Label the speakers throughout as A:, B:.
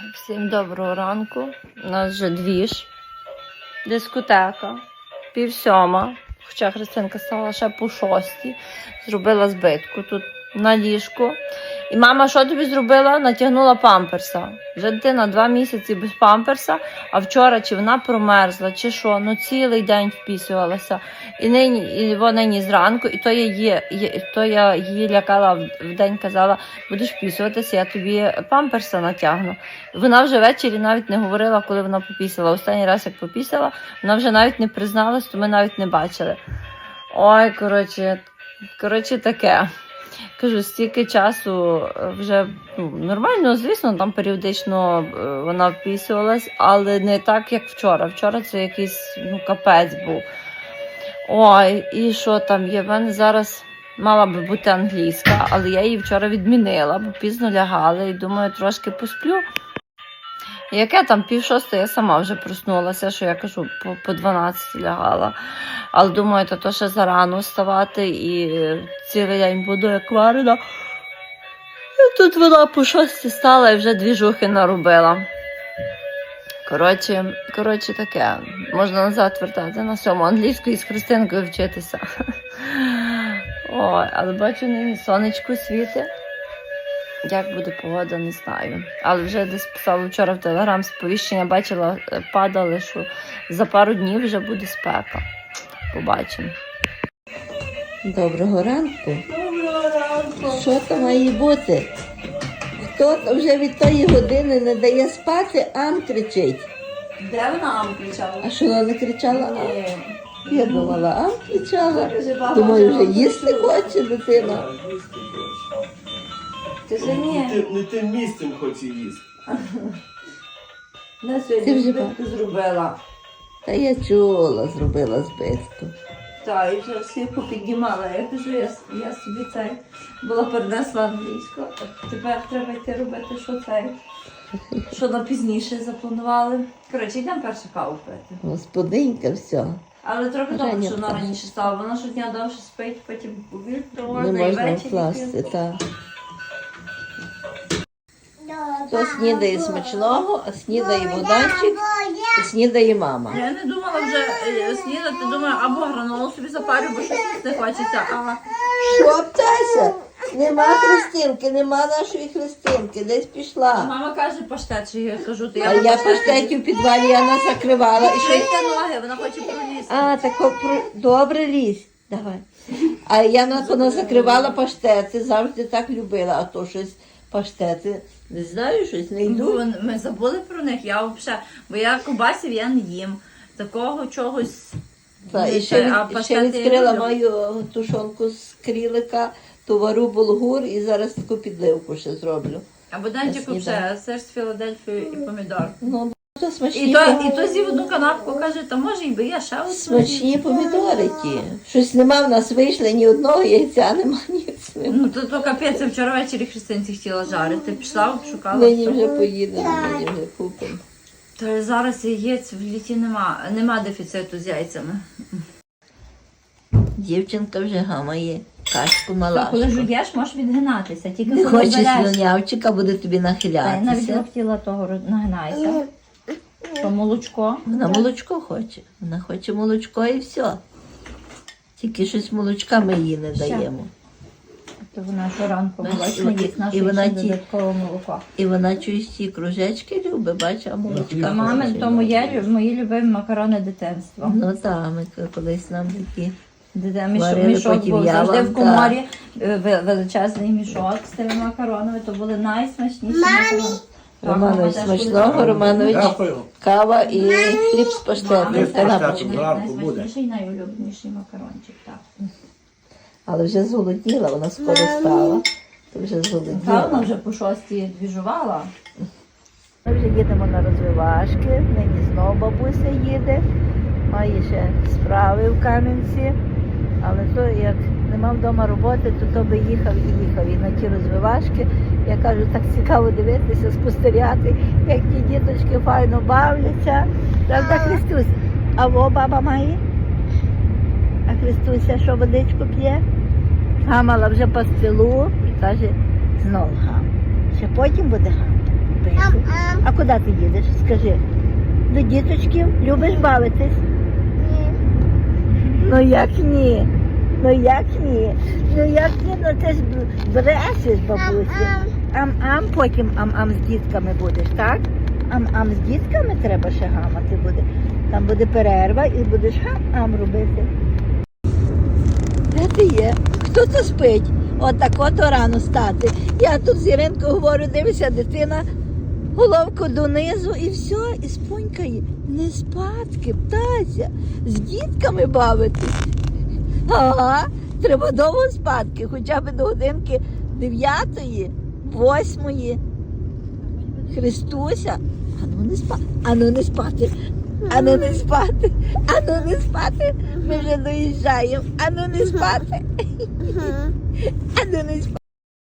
A: Всім доброго ранку. У нас вже двіж, дискотека, 6:30. Хоча Христинка стала ще по 6:00. Зробила збитку тут на ліжку. І мама що тобі зробила? Натягнула памперса. Вже дитина 2 місяці без памперса, а вчора чи вона промерзла, чи що, ну цілий день впісювалася. І нині зранку, і то я її лякала в день, казала, будеш впісюватися, я тобі памперса натягну. Вона вже ввечері навіть не говорила, коли вона попісила. Останній раз, як попісила, вона вже навіть не призналась, то ми навіть не бачили. Ой, коротше таке. Кажу, стільки часу вже нормально, звісно, там періодично вона впісувалась, але не так, як вчора. Вчора це якийсь капець був. Ой, і що там є? В мене зараз мала би бути англійська, але я її вчора відмінила, бо пізно лягала і думаю, трошки посплю. Яке там 5:30, я сама вже проснулася, що я кажу, по 12 лягала. Але думаю, то ще зарано вставати і цілий день буду як варена. І тут вона по 6 стала і вже двіжухи наробила. Коротше таке, можна назад вертати на 7 англійську і з Христинкою вчитися. Ой, але бачу, нині сонечко світить. Як буде погода, не знаю. Але вже десь писала вчора в Телеграм сповіщення, бачила, падали, що за пару днів вже буде спека. Побачимо. Доброго ранку.
B: Доброго ранку.
A: Що там має бути? Хто вже від тої години не дає спати, ам кричить.
B: Де вона ам кричала?
A: А що вона не кричала?
B: Ні.
A: Я думала, ам кричала.
B: Дуже багато.
A: Думаю, вже їсти хоче дитина.
B: Ти ж ні.
C: Не тим місцем хоче їсти.
B: На
A: Ти
B: сьогодні
A: вже
B: збитку зробила.
A: Та я чула, зробила збитку.
B: Так, і вже всі попіднімала. Я кажу, я собі цей була перенесла англійську. Тепер треба йти робити, що на пізніше запланували. Коротше, йдемо першу каву пити.
A: Господинька, все.
B: Але трохи добре,
A: Женя
B: що вона
A: вкласти.
B: раніше стала. Вона щодня довше спить, потім повір, то
A: Не
B: можна і
A: можна
B: ввечері.
A: вкласти, так. То снідає смачного, а снідає Богданчик, і снідає мама.
B: Я не думала вже снідати, думаю, або гранолу собі запарю, бо щось не хочеться. А
A: Що, птася? Нема Христинки, нема нашої Христинки, десь пішла.
B: мама каже паштет, що я кажу, то
A: А я паштетів в підвалі, я нас закривала. І що?
B: Шийте ноги, вона хоче пролізти.
A: А, так добре лізь, давай. А я вона закривала паштети, завжди так любила, а то щось паштети, не знаю, щось не йду.
B: Ми забули про них, я взагалі, бо я ковбасів я не їм. Такого чогось.
A: Та,
B: не
A: і
B: те,
A: ще,
B: а
A: ще
B: паштети я
A: відкрила
B: люблю.
A: мою тушонку з крілика, то вару булгур і зараз таку підливку ще зроблю.
B: А Богданчику вже сир з Філадельфією і помідор.
A: Ну, то смачні,
B: І то з'їв одну канапку, каже, та може і би я ще одну.
A: смачні помідори ті. Щось нема в нас вийшли, ні одного яйця нема, ніц нема.
B: Ну то капець, я вчора ввечері Христинці хотіла жарити. Пішла, шукала.
A: Нині
B: все.
A: вже поїдемо, нині вже купимо.
B: Та зараз яєць в літі нема дефіциту з яйцями.
A: Дівчинка вже гамає качку
B: Коли
A: малашку.
B: жуєш, можеш відгинатися, тільки
A: Не
B: коли
A: хоче
B: береш.
A: слюнявчика, буде тобі
B: Та я навіть
A: нахилятися.
B: хотіла того нагинайся. То молочко.
A: Вона молочко хоче. Вона хоче молочко і все. Тільки щось молочка ми їй не даємо.
B: То вона щоранку
A: Бачиш,
B: молочна їсть,
A: і
B: наше
A: вона
B: ще
A: ті-
B: додаткове молоко.
A: І вона чуєш ці кружечки любить, бачиш, а молочка
B: Мами,
A: хоче.
B: то мої любимі макарони дитинства.
A: Ну так, ми колись нам такі. Варили,
B: Мішок
A: потім
B: був
A: я
B: завжди
A: вам,
B: в коморі, величезний мішок з тими макаронами, то були найсмачніші макарони.
A: Романович
B: Так, мама теж
A: смачного,
B: коли
A: Романович
C: Дякую.
A: кава і хліб з паштетом,
B: Мами теж
A: канапочки.
C: Зранку буде.
B: найсмачніший, найулюбленіший макарончик, так.
A: Але вже зголодніла, вона скоро стала. То вже
B: Та
A: зголодніла.
B: вона вже по 6-й двіжувала.
A: Ми вже їдемо на розвивашки, нині знову бабуся їде, має ще справи в Кам'янці, але то як нема вдома роботи, то би їхав і на ті розвивашки. Я кажу, так цікаво дивитися, спостерігати, як ті діточки файно бавляться. Правда, Христусь? А во баба має? А Христуся, що водичку п'є? Гамала вже пастилу і каже, знов гам. Ще потім буде гам. А
D: куди ти їдеш? Скажи. До діточків? Любиш бавитись? Ну як ні? Ну як ні? Ну як ні? Ну ти ж брешеш, бабусі. Ам-ам, потім ам-ам з дітками будеш, так? Ам-ам з дітками треба ще гамати буде. Там буде перерва і будеш гам-ам робити. Де ти є? Хто то спить? Отако-то рано стати. Я тут з Іринкою говорю, дивися, дитина головку донизу і все, і спонькає. Не спадки, птася, з дітками бавитись. Ага, треба довго спадки, хоча б до годинки 9-ї, 8-ї. Христуся, ану не спати, ану не спати, ану не спати, ану не спати. Ми вже доїжджаємо, ану не спати, ану не спати.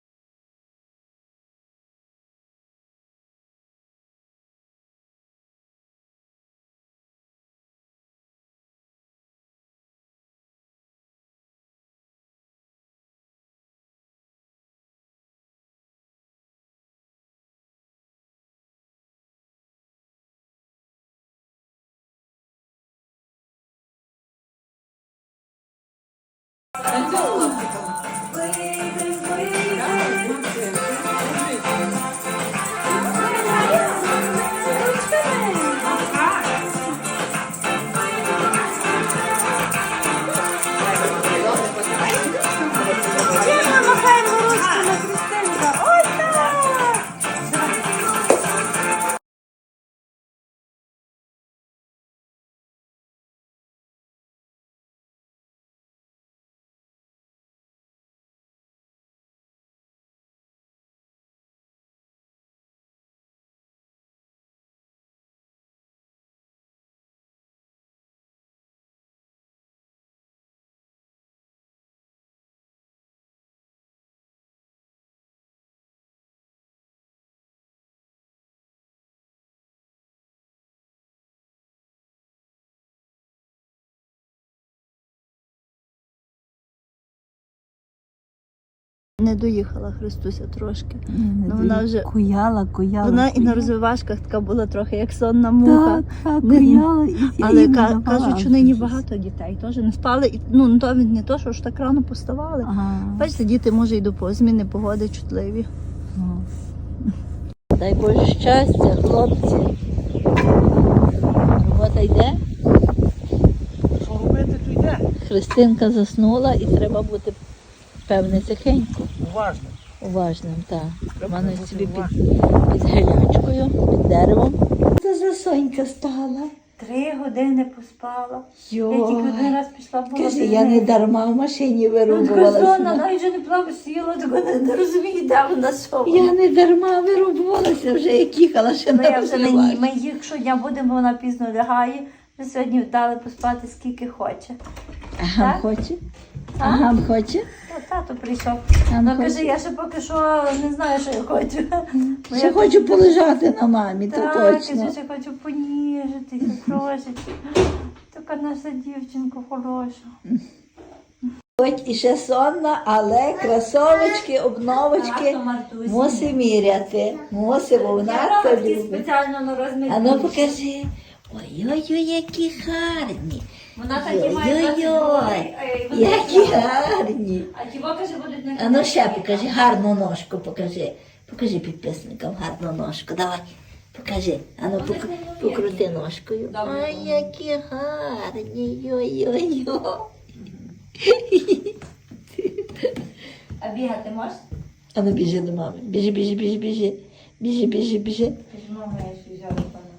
D: Не доїхала Христуся трошки. Ну, вона вже
B: Куяла.
D: вона і на розвивашках така була трохи як сонна муха.
B: Так,
D: Не-
B: куяла.
D: Але кажуть, що нині багато дітей теж не спали. І, ну, то не то, що ж так рано поставали.
B: Ага.
D: Бачите, діти може і до зміни погоди чутливі. Дай Боже щастя, хлопці. Робота йде.
C: Що робити, то йде.
D: Христинка заснула і треба бути, певне, тихенько.
C: Уважно.
D: Уважним, так. Романович собі під гелячкою, під деревом. Це за Сонька стала.
B: 3 години поспала.
D: Йо.
B: Я тільки один раз пішла була.
D: Каже, я не дарма в машині
B: Вона
D: вирубувалася.
B: навіть вже не плаву сіла, так вона не розуміє, де вона що.
D: Я не дарма вирубувалася вже, як їхала ще
B: Ну,
D: на
B: я вже на
D: розвивашки.
B: ній. Ми їх щодня будемо, вона пізно лягає. Ми сьогодні дали поспати скільки хоче.
D: Ага,
B: Так?
D: хоче?
B: А?
D: Ага, хоче?
B: Тато прийшов.
D: А,
B: Ну
D: хоче?
B: каже, я ще поки що не знаю, що я хочу. Бо
D: Ще
B: я
D: хочу полежати на мамі, то
B: Так,
D: точно.
B: я ще хочу поніжитися трошечки. Така наша дівчинка хороша.
D: Хоч і ще сонна, але кросовочки, обновочки мусить міряти. Мусить, бо вона це любить.
B: спеціально на розмір.
D: А ну покажи. Ой-ой-ой, які гарні.
B: Вона такі має
D: Ой-ой-ой, які гарні.
B: А ті каже, будуть на
D: А ну ще покажи, гарну ножку покажи. Покажи підписникам гарну ножку. Давай, покажи. А ну покрути ножкою. Ой, які гарні. Йой-йой-йой.
B: А бігати можеш?
D: А ну біжи до мами. Біжи, біжи, біжи, біжи. Біжи, біжи, біжи.
B: Ти ж мама, я ще взяла пана.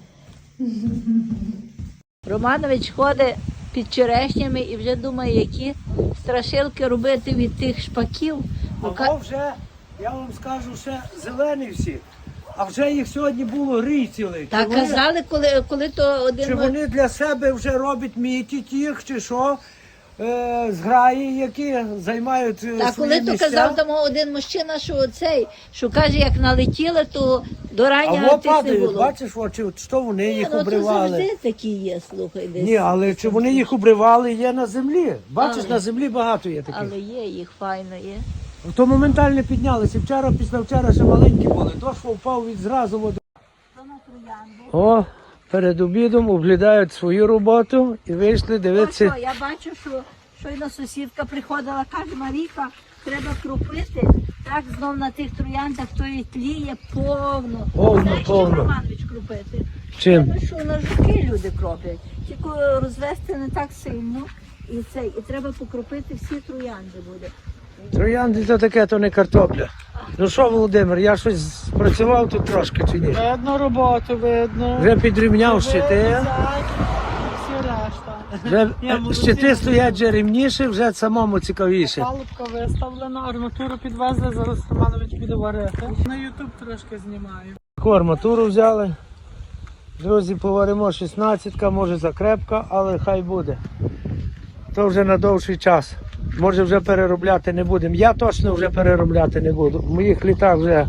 D: Романович ходить під черешнями і вже думає, які страшилки робити від тих шпаків.
C: А вже, я вам скажу, ще зелені всі. А вже їх сьогодні було рій цілий.
D: Так
C: Чи вони-
D: казали, коли то один...
C: Чи вони для себе вже роблять мітять їх, чи що? Зграї, які займають
D: Так,
C: свої
D: коли то
C: місця.
D: казав там один мужчина, що каже, як налетіли, то до
C: А
D: рання
C: во
D: тих не
C: падають,
D: було.
C: бачиш, що вони їх
D: Ну, то
C: обривали.
D: завжди такі є, слухай, десь.
C: Ні, але чи вони їх обривали, є на землі. Бачиш,
D: Але-
C: на землі багато є таких.
D: Але є, їх файно є.
C: То моментально піднялися. Вчора, після вчора ще маленькі були. Дощ впав від зразу воду.
D: троянду.
C: О, перед обідом оглядають свою роботу і вийшли
D: Ну
C: дивитися.
D: що, я бачу, що щойно сусідка приходила, каже, Марійка, треба крупити. Так знов на тих трояндах тої тліє повно.
C: Повно,
D: Знаєш,
C: повно.
D: чим, Романович, крупити?
C: Чим?
D: Тому що на жуки люди кроплять. Тільки розвести не так сильно. І треба покропити всі троянди буде.
C: Троянди то таке, то не картопля. Ну що, Володимир, я щось спрацював тут трошки чи ні?
E: Видно роботу, видно.
C: Вже підрівняв щити.
E: Всі решта.
C: Вже
E: Ні, молодці.
C: щити стоять вже рівніше, вже самому цікавіше.
E: Палубка виставлена, арматуру підвезли, зараз Романович буде варити. На Ютуб трошки знімаю.
C: Арматуру взяли. Друзі, поваримо 16-ка, може закрепка, але хай буде. То вже на довший час. Може вже переробляти не будемо. Я точно вже переробляти не буду. В моїх літах вже.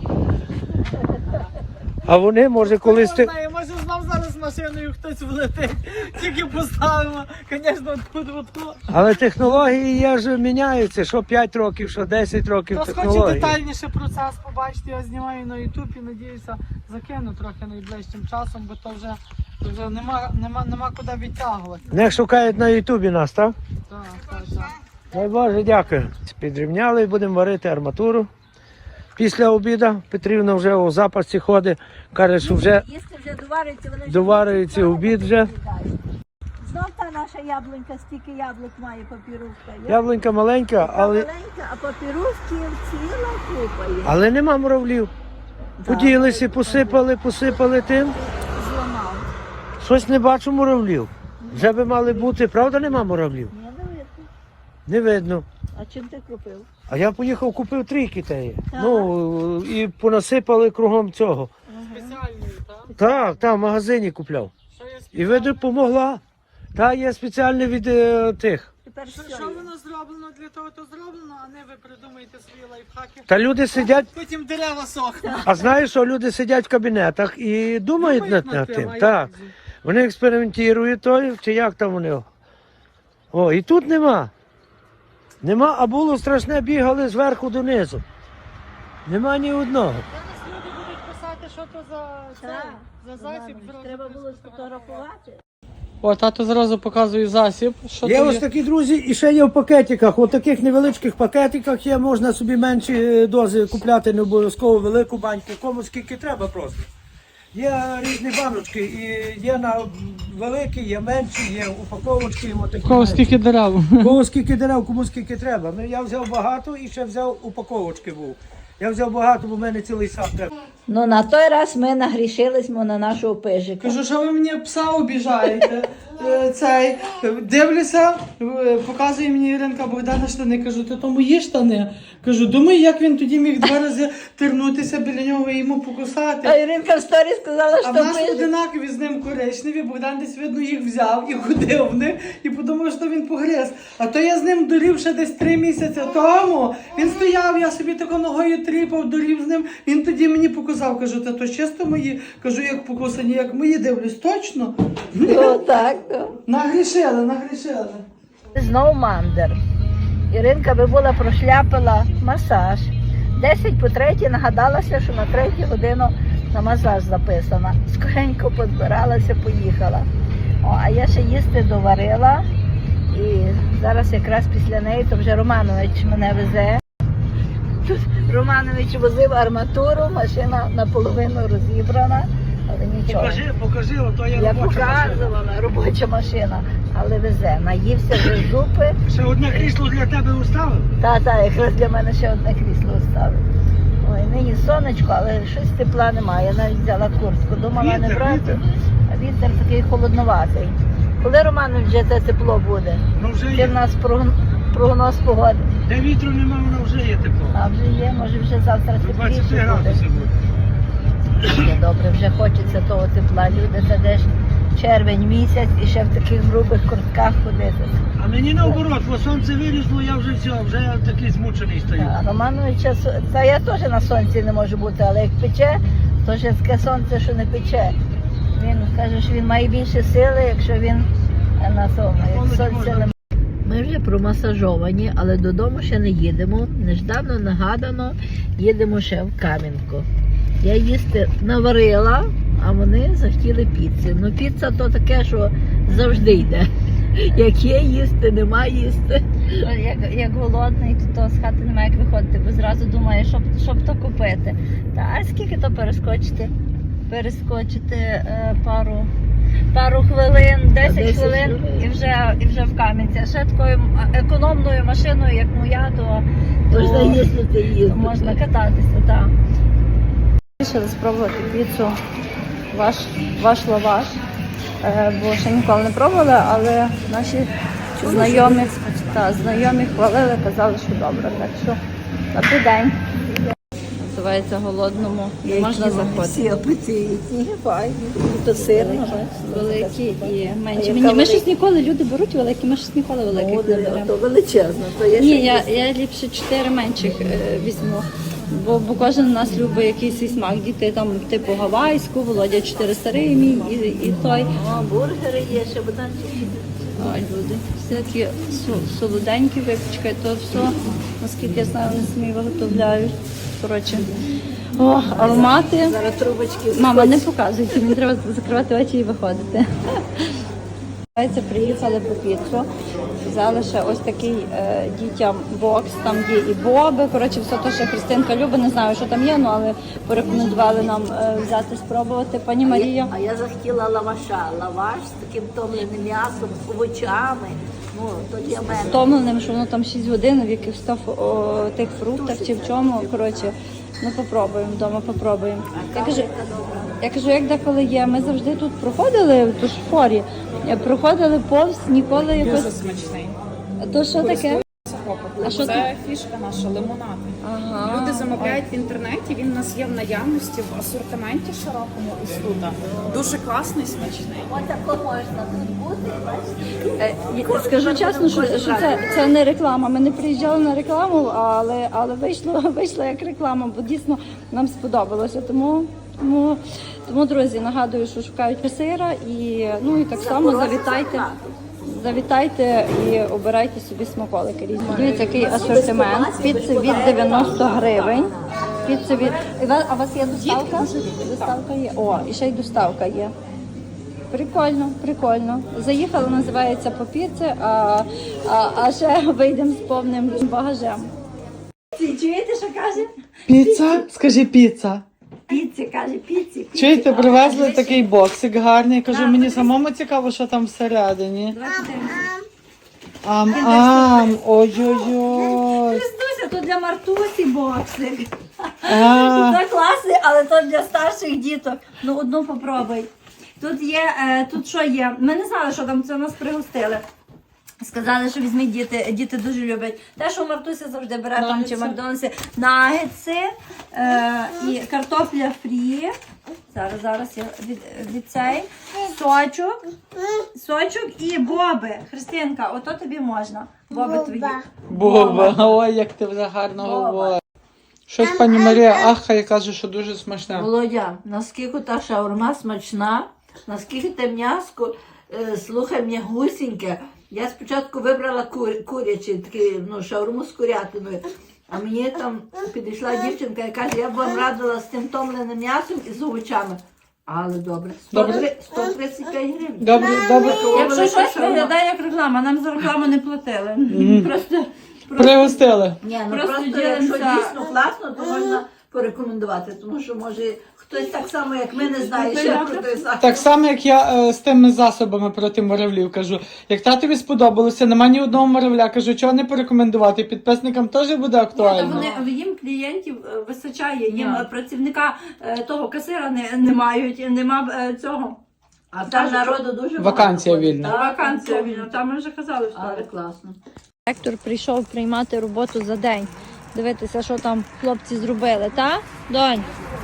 C: А вони, може, колись ти.
E: Може знов зараз машиною хтось влетить. Тільки поставимо, звісно, тут.
C: Але технології є ж міняються. Що 5 років, що 10 років
E: Хтось хоче
C: технології.
E: детальніше процес побачити, я знімаю на Ютуб і надіюся закину трохи найближчим часом, бо то вже нема куди відтягувати.
C: Не шукають на Ютубі нас, так?
E: Так.
C: Дай Боже, дякую. Підрівняли і будемо варити арматуру. Після обіду Петрівна вже у запасі ходить, каже, що вже
D: Їсти вже доварюється, вони вже
C: доварюється
D: відлітають.
C: обід вже.
D: Знов та наша яблунька, стільки яблук має папірушка.
C: Яблунька маленька, але,
D: Маленька, а папірушків ціла купа є.
C: але нема муравлів. Поділися, посипали тим.
D: Зламав.
C: Щось не бачу муравлів. Вже би мали бути, правда, нема муравлів?
D: Ні, не видно.
C: Не видно.
D: А чим ти купив?
C: А я поїхав, купив 3 китаї.
D: Так.
C: Ну, і понасипали кругом цього.
E: Спеціальний, так?
C: Так, в магазині купляв.
E: Що є
C: І видно, помогла. Та є спеціальне від тих.
D: Тепер
E: Що
D: все.
E: воно зроблено для того, то зроблено, а не ви придумаєте свої лайфхаки.
C: Та люди сидять,
E: Потім дерева сохнуть.
C: а знаєш, що люди сидять в кабінетах і думають над тим.
E: а
C: Так.
E: як же?
C: Вони експериментують той, чи як там вони. О, і тут нема. Нема, а було страшне, бігали зверху донизу. Нема ні одного.
E: Зараз люди будуть писати, що то
D: Так.
E: за засіб.
D: Треба було сфотографувати.
E: О, тато зразу показує засіб. Що
C: Є
E: то
C: ось такі, друзі, і ще є в пакетиках. У таких невеличких пакетиках є, можна собі менші дози купляти, не обов'язково велику баньку, кому скільки треба просто. Є різні баночки, і є на великі, є менші, є упаковочки, і отакі.
E: Кого скільки дерев?
C: Кому скільки дерев, кому скільки треба. Я взяв багато і ще взяв упаковочки був. Я взяв багато, бо в мене цілий сад треба.
D: Ну на той раз ми нагрішились на нашого пижика.
E: Кажу, що ви мені пса обіжаєте. Цей дивлюся, показує мені Іринка Богдана штани. Кажу, то мої штани. Кажу, думаю, як він тоді міг 2 рази тернутися біля нього і йому
D: А
E: покусати.
D: Іринка в сторі сказала,
E: А
D: що
E: в нас
D: пижик.
E: одинакові з ним коричневі, Богдан десь, видно, їх взяв і ходив в них, і подумав, що він погриз. А то я з ним дорів ще десь 3 місяці тому. Він стояв, я собі тако ногою тріпав, дорів з ним. Він тоді мені показав, кажу, та то чисто мої. Кажу, як покусані, як мої, дивлюсь, точно?
D: Ну, так, то.
E: Нагрішили.
D: Знову мандер. Іринка би була прошляпила масаж. 10 по 3 нагадалася, що на 3 годину на масаж записана. Скоренько позбиралася, поїхала. О, а я ще їсти доварила. І зараз якраз після неї, то вже Романович мене везе. Тут Романович возив арматуру, машина наполовину розібрана, але нічого.
C: Покажи, ото є
D: Я
C: робоча машина.
D: показувала, робоча машина, але везе. Наївся вже зупи.
C: Ще одне крісло для тебе уставив?
D: Та, якраз для мене ще одне крісло ставив. Ой, нині сонечко, але щось тепла немає. Я навіть взяла куртку, думала не
C: Вітер,
D: брати.
C: вітер.
D: А вітер такий холодноватий. Коли, Романович, вже це тепло буде?
C: Ну вже
D: Ти
C: є.
D: в нас прогноз погоди.
C: Де вітру нема, воно вже є тепло.
D: А вже є, може вже завтра
C: 23
D: тепліше буде.
C: градуси буде.
D: Є добре, вже хочеться того тепла. Люди, це де ж червень місяць і ще в таких грубих куртках ходити.
C: А мені наоборот, бо сонце вилізло, я вже все, вже я такий змучений стою.
D: А Романовича, та я теж на сонці не можу бути, але як пече, то ще таке сонце, що не пече. Він каже, що він має більше сили, якщо він на тому, як сонце немає. Ми вже промасажовані, але додому ще не їдемо. Неждано нагадано, їдемо ще в Кам'янку. Я їсти наварила, а вони захотіли піци. Ну піца то таке, що завжди йде. Як є їсти, нема їсти.
A: Як голодний, то з хати немає як виходити, бо зразу думає, щоб то купити. Та а скільки то перескочити? Перескочити пару хвилин, 10 хвилин і вже в Кам'янці. А ще такою економною машиною, як моя, то
D: Можна їздити і їздити.
A: можна кататися. Так. Вирішили спробувати піцу ваш лаваш, бо ще ніколи не пробували, але наші знайомі хвалили, казали, що добре. Так що добрий день. Називається голодному, не можна заходити.
D: Всі апетитні, файні. То сирні.
A: Великі і менші.
D: яка
A: Ми щось ніколи, люди беруть великі, ми щось ніколи великих не беремо.
D: То величезно. То є
A: Ні,
D: ще
A: я ліпше 4 менших візьму. Бо кожен з нас любить якийсь свій смак. Діти там типу гавайську, Володя 4 старий мій і той.
D: бургери є, ще буданчики.
A: Ой, люди, все такі солоденькі випічки, то все, наскільки я знаю, вони самі виготовляють. Коротше, аромати.
D: Зараз трубочки.
A: Мама, не показуйте, мені треба закривати очі і виходити. Приїхали по піцу, взяли ще ось такий дітям бокс, там є і боби, коротше, все те, що Христинка любить, не знаю, що там є, ну, але порекомендували нам взяти, спробувати. Пані Марія.
D: А я захотіла лаваша. Лаваш з таким томленим м'ясом, овочами. Ну, то для мене.
A: Втомленим, що воно там 6 годин, в яких став тих фруктах чи в чому, коротше, ну попробуємо, вдома попробуємо. Я кажу, як деколи є, ми завжди тут проходили, в форі, проходили повз, ніколи якось...
F: Дуже смачний.
A: То що таке? А що
F: Це фішка наша, лимонад.
A: Ага.
F: Люди замовляють в інтернеті, він у нас є в наявності в асортименті широкому ось тут. Дуже класний, смачний.
D: Отако можна тут бути,
A: Скажу чесно, що це не реклама. Ми не приїжджали на рекламу, але вийшло як реклама, бо дійсно нам сподобалося. Тому, друзі, нагадую, що шукають сира і так само завітайте і обирайте собі смаколики різні. Дивіться, який асортимент. Піци від 90 гривень. А у вас є доставка? Доставка є. О, і ще й доставка є. Прикольно. Заїхали, називається по піці, а ще вийдемо з повним багажем.
D: Чуєте, що каже?
E: Піца? Скажи піца.
D: Піці, каже, піці.
E: Чуєте, привезли такий боксик гарний. Кажу, мені самому цікаво, що там всередині. Ам-ам, ой-ой-ой.
D: Христуся, то для Мартусі боксик.
E: А,
D: Це класний, але то для старших діток. Ну, одну попробуй. Тут є, тут що є? Ми не знали, що там, це нас пригостили. Сказали, що візьміть діти дуже люблять. Те, що Мартуся завжди бере там чи в Макдональдсі, нагетси і картопля фрі. Зараз я від цей. Сочок і боби. Христинка, ото тобі можна. Боби твої.
E: Боба, ой, як ти вже гарно говориш. Щось пані Марія ахає, каже, що дуже смачне.
G: Володя, наскільки та шаурма смачна, наскільки те м'яско, слухай, мені гусіньке. Я спочатку вибрала курячі, такі, шаурму з курятиною. А мені там підійшла дівчинка і каже, я б вам радила з тим томленим м'ясом і з овочами. Але добре. 135 гривень.
E: Добре.
A: Якщо щось виглядає як реклама, нам за рекламу не платили. Просто
E: Пригостили.
G: Ні,
A: Просто
G: просто
A: ділимося.
G: якщо дійсно класно, то можна порекомендувати. Тому що, може, хтось так само, як ми, не знає ще про той заклад.
E: Так само, як я з тими засобами проти муравлів кажу. Як татові сподобалося, нема ні одного муравля, кажу, чого не порекомендувати. Підписникам теж буде актуально.
A: їм клієнтів вистачає, їм працівника того касира не мають, нема цього.
G: А там народу дуже
E: Вакансія
G: багато.
E: вільна.
G: Так,
A: Вакансія вільна, там ми вже казали, що
G: Але класно.
A: Директор прийшов приймати роботу за день. Дивитися, що там хлопці зробили, так? Донь?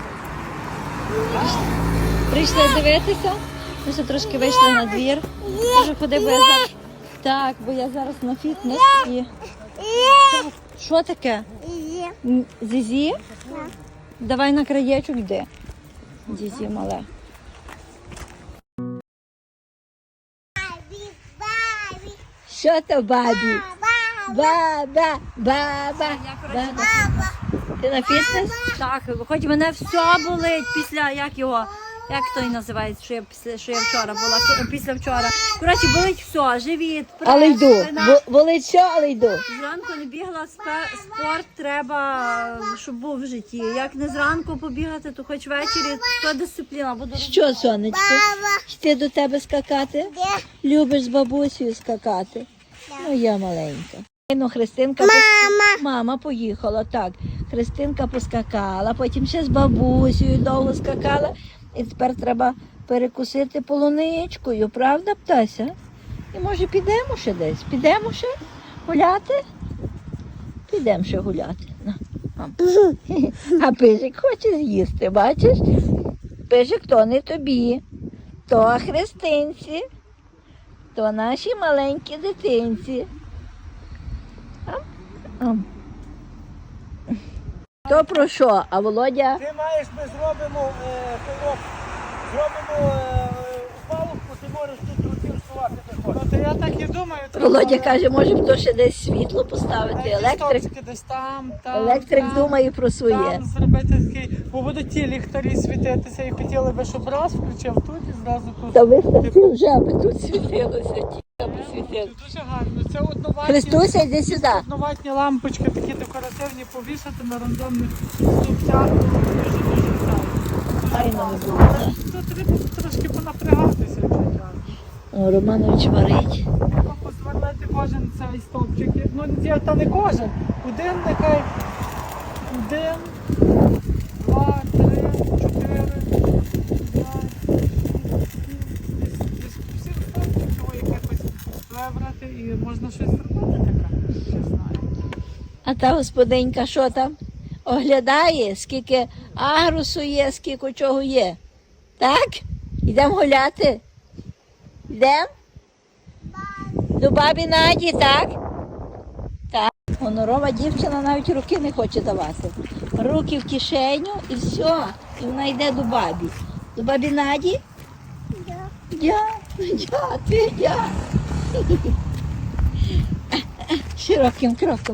A: Прийшли дивитися. Ми ще трошки вийшли на двір. Кажу, ходи, бо я зараз... Так, бо я зараз на фітнес і... Так, що таке? Зізі? Давай на краєчок йди. Зізі мале.
D: Що то бабі? Баба.
A: Ти на фітнес? Так, хоч мене все болить після, як його,
B: Як то і називається, що я вчора була, після вчора. Коротше, болить все, живіт, прес,
D: Але йду.
B: спина.
D: Болить що, але йду.
B: Зранку не бігла, спорт треба, щоб був в житті. Як не зранку побігати, то хоч ввечері, то дисципліна. Буду
D: Що, сонечко? Ти до тебе скакати? Любиш з бабусею скакати? Ну, я маленька. Ну, Христинка... Мама поїхала, так. Христинка поскакала, потім ще з бабусею довго скакала. І тепер треба перекусити полуничкою, правда, птася? І може підемо ще десь? Підемо ще гуляти? Підемо ще гуляти. На, мам. А пижик хоче з'їсти, бачиш? Пижик то не тобі, то Христинці, то наші маленькі дитинці. То про що? А Володя?
C: Ти маєш, ми зробимо палубку, ти можеш тут рутірсувати, де хочеш.
E: От я так і думаю. треба
D: Володя каже, може хто ще десь світло поставити, електрик.
E: стопчики десь там,
D: Електрик
E: там,
D: думає про своє.
E: Там зробити такий, бо будуть ті ліхтарі світитися і хотіли би, щоб раз включив тут і зразу тут.
D: Та виставці вже, аби тут світилося, ті, аби світилося.
E: Дуже гарно. Це одноватні,
D: Христуся, йди сюди.
E: одноватні лампочки, такі декоративні, повішати на рандомних стовпцях. Дуже-дуже
D: Файно не було.
E: Але тут треба трошки понапрягатися, якщо треба.
D: О, Романович варить.
E: Треба посверлити кожен цей стовпчик. Ну, та не кожен. Один нехай. 1, 2, 3, 4, 5, 6, 7 стовпчиків якихось вибрати і можна щось зробити таке. Не знаю.
D: А та господинька що там? Оглядає, скільки агрусу є, скільки чого є. Так? Йдемо гуляти? Йдемо? До бабі Наді, так? Так. Гонорова дівчина навіть руки не хоче давати. Руки в кишеню і все. І вона йде до бабі. До бабі Наді? Дя. Широким кроком.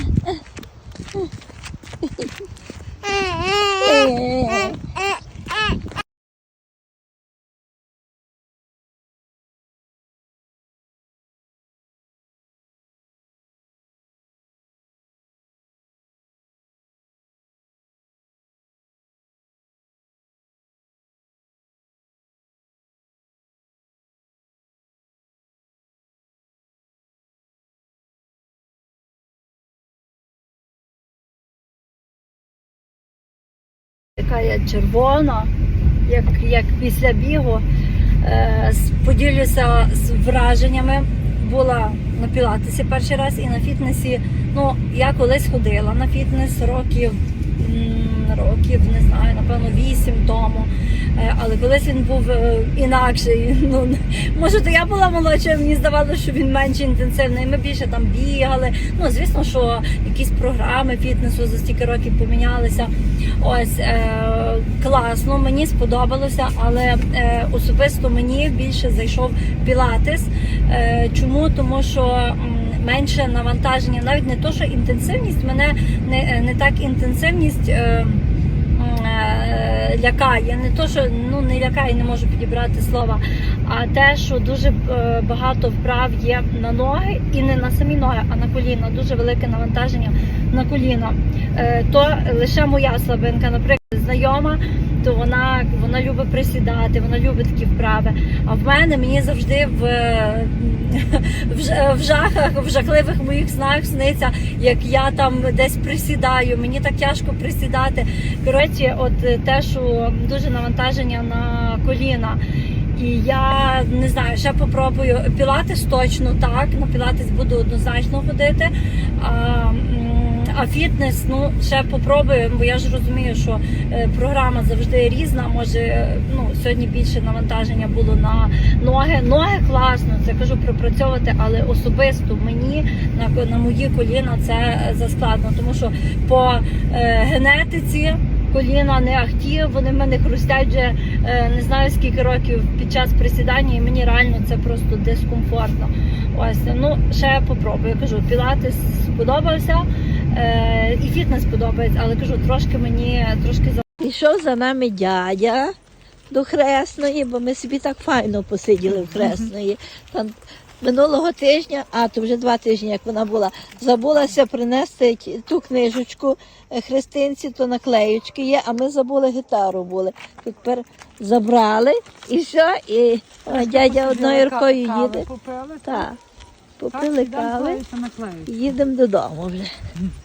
D: Така я червона, як після бігу. Поділюся з враженнями. Була на пілатесі перший раз і на фітнесі. Ну, я колись ходила на фітнес років, не знаю, напевно, 8 тому. Але колись він був інакший. Ну, може, то я була молодша, мені здавалося, що він менш інтенсивний. Ми більше там бігали. Ну, звісно, що якісь програми фітнесу за стільки років помінялися. Ось, класно, мені сподобалося, але особисто мені більше зайшов пілатес. Чому? Тому що менше навантаження, навіть не то, що інтенсивність, мене не так інтенсивність лякає, не то, що не лякає, не можу підібрати слова, а те, що дуже багато вправ є на ноги, і не на самі ноги, а на коліна, дуже велике навантаження на коліна. То лише моя слабинка, наприклад, знайома, то вона любить присідати, вона любить такі вправи. А в мене мені завжди в жахливих моїх снах сниться, як я там десь присідаю, мені так тяжко присідати. Коротше, от те, що дуже навантаження на коліна. І я не знаю, ще попробую. Пілатес точно так, на пілатес буду однозначно ходити. А фітнес, ще попробую, бо я ж розумію, що програма завжди різна. Може, сьогодні більше навантаження було на ноги. Ноги класно, це кажу пропрацьовувати, але особисто мені на мої коліна це заскладно, тому що по генетиці коліна не ахті, вони в мене хрустять вже не знаю скільки років під час присідання, і мені реально це просто дискомфортно. Ось, ще попробую. Я кажу, пілатес сподобався, і фітнес подобається, але кажу, трошки мені, Пішов за нами дядя, до Хресної, бо ми собі так файно посиділи в Хресної. Там минулого тижня, а то вже 2 тижні, як вона була, забулася принести ту книжечку Христинці, то наклеючки є, а ми забули гітару були. Тепер забрали і все, і дядя одною рукою їде.
E: Попили?
D: Так, попили кави, їдемо додому вже.